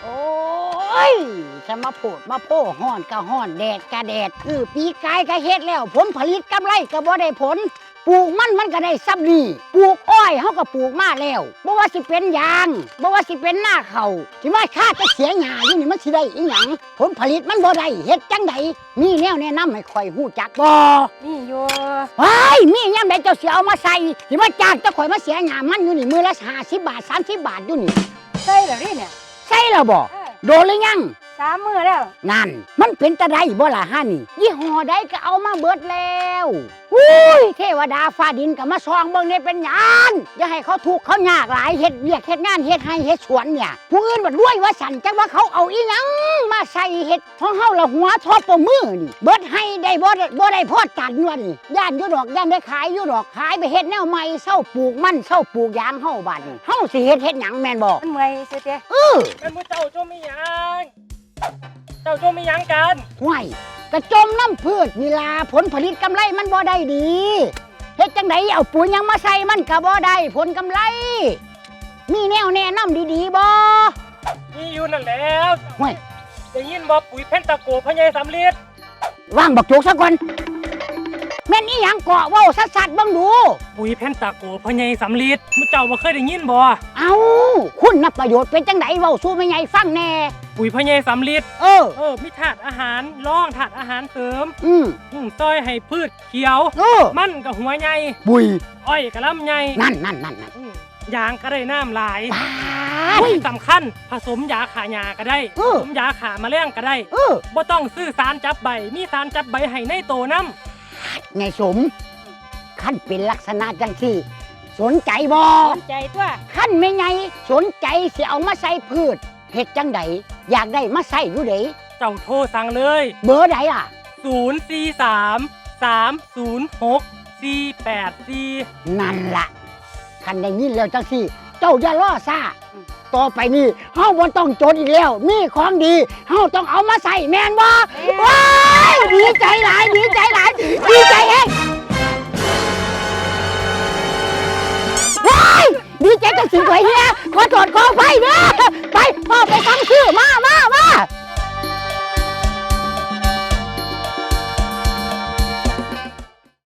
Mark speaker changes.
Speaker 1: โอ้ยจะมาโพดมาโพห้อนก็ห้อนแดดก็แดดปีกายก็เฮ็ดแล้วผลผลิตกำไรก็บ่ได้ผลปลูกมันก็ได้ซับดีปลูกอ้อยเฮาก็ปลูกมาแล้วบ่ว่าสิเป็นยางบ่ว่าสิเป็นหน้าข้าวที่ว่าค่าจะเสียหญ้าอยู่นี่มันสิได้อีหยังผลผลิตมันบ่ได้เฮ็ดจังไดมีแนวแนะนำให้ข่อยฮู้จักบ่
Speaker 2: นี่อยู่
Speaker 1: ว้ายมียามใดเจ้าสิเอามาใส่ที่ว่าจ้างเจ้าข่อยมาเสียหญ้ามันอยู่นี่มื้อละ50 บาท30 บาทอยู่นี่
Speaker 2: ใส่แล้วนี่เนี่ย
Speaker 1: ใส่แล้วบ่โดนหรือยัง
Speaker 2: 3 มื้อแล้ว
Speaker 1: นั่นมันเป็นตะไดบ่ล่ะฮะนี่ยี่ห้อใดก็เอามาเบิดแล้วอุ้ยเทวดาฟ้าดินก็มาซองเบิ่งเนี่ยเป็นหยังอย่าให้เขาทุกข์เขายากหลายเฮ็ดเวียกเฮ็ดงานเฮ็ดให้เฮ็ดสวนเนี่ยผู้อื่นบัดรวยว่าสั่นจังว่าเขาเอาอีหยังมาใส่เฮ็ดของเฮาละหัวทอปมือนี่เบิดให้ได้บ่ได้พอตันว่านี่ย่านอยู่ดอกย่านได้ขายอยู่ดอกขายไปเฮ็ดแนวใหม่เซาปลูกมันเซาปลูกยางเฮาบัดนี้เฮาสิเฮ็ดหยังแม่นบ่
Speaker 2: มันเมื่อยซื่อเด้
Speaker 3: เป็นผู้เจ้าจมไม่ยังเจ้าจมไม่ยังกัน
Speaker 1: ห่วยกระจมน้ำพืชนี่ล่ะผลผลิตกำไรมันบ่ได้ดีเฮ็ดจังไดเอาปุ๋ยยังมาใส่มันก็บ่ได้ผลกำไรมีแนวแนะนำดีๆบ่
Speaker 3: มีอยู่นั่นแล้ว
Speaker 1: ห่วย
Speaker 3: ได้ยินบ่ปุ๋ยเพนตะโกพะไยสำลีด
Speaker 1: วางบักโจกซะก่อนแม่นอีหยังเกาะเว้าสัดๆเบิ่งดู
Speaker 3: ปุ๋ยเพนตะโกพะไยสำลีดมุเจ้าบ่เคยได้ยินบ่
Speaker 1: เอาคุณนับประโยชน์เป็นจังไดเว้าสู่แม่ใหญ่ฟังแน่
Speaker 3: ปุ๋ยพะไยสำลีดมีธาตุอาหารรองธาตุอาหารเสริมซอยให้พืชเขียวมันกับหัวใหญ่
Speaker 1: บุย
Speaker 3: อ้อยกับลำใหญ่
Speaker 1: นั่น
Speaker 3: ยางก็ได้น้ำหลาย
Speaker 1: ที่
Speaker 3: สำคัญผสมยาขาหญ้าก็ได้ผสมยาขาแมลงก็ได้บ่ต้องซื้อสารจับใบมีสารจับใบให้ในโตน้
Speaker 1: ำไงสมขั้นเป็นลักษณะจังที่สนใจบ่
Speaker 2: สนใจตัว
Speaker 1: ขั้นไม่ไงสนใจสิเอามาใส่พืชเฮ็ดจังไดอยากได้มาใส่อยู่เด้
Speaker 3: เจ้าโทรสั่งเลย
Speaker 1: เบอร์ใดล่ะ
Speaker 3: 043-306-484
Speaker 1: นั่นล่ะคันได้ยินแล้วจังซี่เจ้าอย่ารอซ่าต่อไปนี้เฮาบ่ต้องจนอีกแล้วมีของดีเฮาต้องเอามาใส่แม่นบ่ว้ายดีใจหลายดีใจเองว้ายดีใจจังสิข่อยเฮียขอโทษขออภัยเด้อไปพ่อไปฟังชื่อมา